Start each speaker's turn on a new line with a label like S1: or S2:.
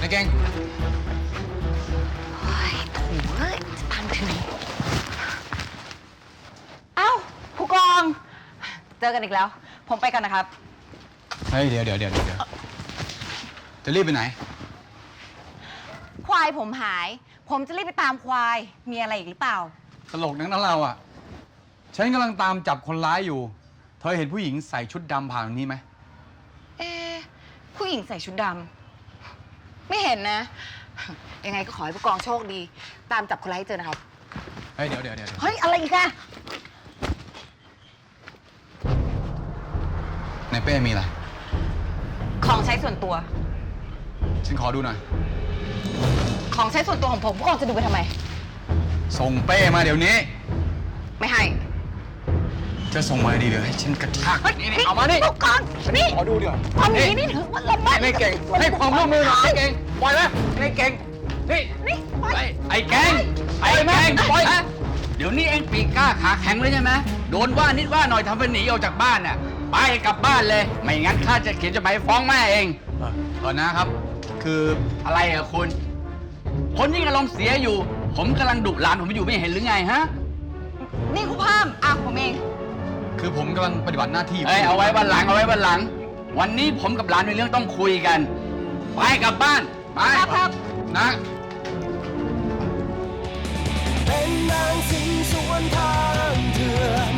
S1: เก่ง
S2: โอ้ยโถ่เอ้ยจะตามไปถึงไหนเอ้าผู้กองเจอกันอีกแล้ว ผมไปกันนะครับ
S1: เฮ้ยเดี๋ยวจะรีบไปไหน
S2: ควายผมหาย ผมจะรีบไปตามควายมีอะไรอีกหรือเปล่า
S1: ตลกนักนะเราอ่ะฉันกำลังตามจับคนร้ายอยู่เธอเห็นผู้หญิงใส่ชุดดำผ่านตรงนี้ไหม
S2: ผู้หญิงใส่ชุดดำไม่เห็นนะยังไงก็ขอให้ผู้กองโชคดีตามจับคนร้ายให้เจอนะครับ
S1: เฮ้ยเดี๋ยว
S2: เฮ้ยอะไรอีกอะ
S1: ในเป้มีอะไร
S2: ของใช้ส่วนตัว
S1: ฉันขอดูหน่อย
S2: ของใช้ส่วนตัวของผมผู้กองจะดูไปทำไม
S1: ส่งเป้มาเดี๋ยวนี้
S2: ไม่ให้
S1: จะส่งมาดีเดี๋ยวให้ฉันกระชากนี่เอามานี่
S2: ผู้กองนี่
S1: ขอดูเดี๋ยว
S2: ทำอย่างนี้นี่ถือว่าละเมิด
S1: ไม่เก่งให้ความร่วมมือหน่อยเก่งปล่อยไหมไม่เก่งนี่
S3: ไอ้แกงปล่อยเดี๋ยวนี้เอ็งปีกกล้าขาแข็งเลยใช่ไหมโดนว่านิดว่าหน่อยทำเป็นหนีออกจากบ้านน่ะไปกลับบ้านเลยไม่งั้นข้าจะเขียนจดหมายฟ้องแม่เอง
S1: นะครับคือ
S3: อะไรอะคุณคนยิ่งอารมณ์เสียอยู่ผมกำลังดุหลานผมอยู่ไม่เห็นหรือไงฮะ
S2: นี่คุณพามผมเอง
S1: คือผมกำลังปฏิบัติหน้าที่
S3: เอาไว้วันหลังวันนี้ผมกับหลานมีเรื่องต้องคุยกันไปกลับบ้านไป
S2: ครับ
S1: นะ
S4: เป็นนางสิงสวนทางเถื่อน